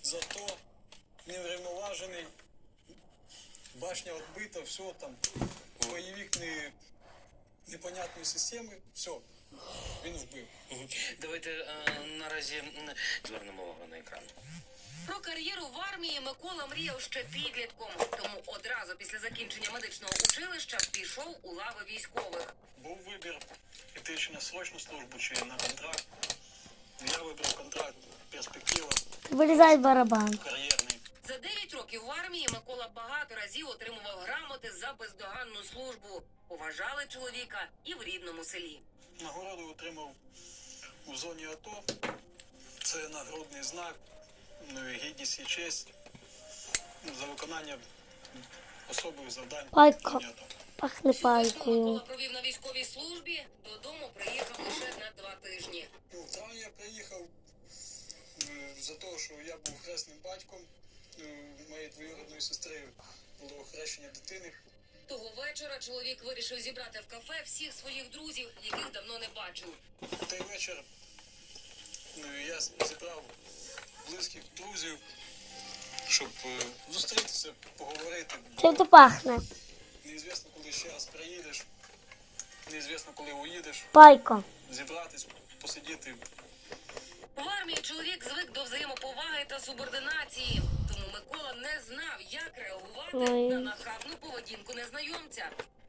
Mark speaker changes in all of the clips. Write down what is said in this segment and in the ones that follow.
Speaker 1: зато неврівноважений, башня відбита, все там, бойовик непонятної системи, все, він вбив.
Speaker 2: Давайте наразі звернемо увагу на екран.
Speaker 3: Про кар'єру в армії Микола мріяв ще підлітком, тому одразу після закінчення медичного училища пішов у лави військових.
Speaker 1: Був вибір іти чи на срочну службу, чи на контракт. Я вибрав контракт, перспектива,
Speaker 4: Вирізай барабан.
Speaker 1: кар'єрний.
Speaker 3: За 9 років в армії Микола багато разів отримував грамоти за бездоганну службу. Поважали чоловіка і в рідному селі.
Speaker 1: Нагороду отримав у зоні АТО. Це нагрудний знак, гідність і честь за виконання особливих завдань.
Speaker 4: Пайка.
Speaker 1: в зоні АТО.
Speaker 4: Пахне
Speaker 3: Всю весну
Speaker 4: пайкою.
Speaker 3: Микола провів на військовій службі, додому приїхав лише на 2 тижні.
Speaker 1: В травні я приїхав за те, що я був хресним батьком моєї двоюрідної сестри, було хрещення дитини.
Speaker 3: Того вечора чоловік вирішив зібрати в кафе всіх своїх друзів, яких давно не бачив.
Speaker 1: В той вечір я зібрав близьких друзів, щоб зустрітися, поговорити.
Speaker 4: Чим то пахне?
Speaker 1: Неізвісно, коли ще раз приїдеш, неізвісно, коли уїдеш,
Speaker 4: Пайка.
Speaker 1: зібратись, посидіти.
Speaker 3: В армії чоловік звик до взаємоповаги та субординації, тому Микола не знав, як реагувати
Speaker 4: Ой.
Speaker 3: на нахабну поведінку незнайомця.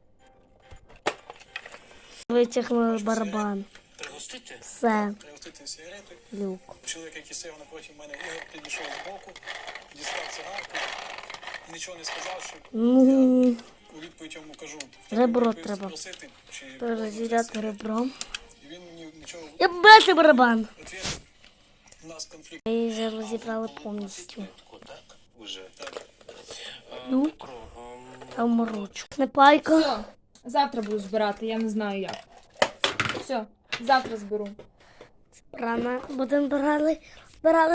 Speaker 4: Витягнули барабан.
Speaker 2: Пригостити?
Speaker 4: Все.
Speaker 1: Пригостити сигарети.
Speaker 4: Люк.
Speaker 1: Чоловік, який сидів напроти мене, Ігор, підійшов з боку, дістав цигарку, нічого не сказавши.
Speaker 4: Ну,
Speaker 1: У відповідь йому кажу,
Speaker 4: Ребро
Speaker 1: «Тебе
Speaker 4: треба
Speaker 1: спросити, чи
Speaker 4: перезаряти ребром.
Speaker 1: І він мені нічого
Speaker 4: Я бачу барабан.
Speaker 1: відповів. У нас конфлікт.
Speaker 4: Ми вже розібрали повністю.
Speaker 2: Так, уже.
Speaker 1: Так.
Speaker 4: Ну,
Speaker 2: Петро,
Speaker 4: там ручку. Не пайка.
Speaker 5: Все, завтра буду збирати, я не знаю як. Все, завтра зберу.
Speaker 4: Рано будемо брали.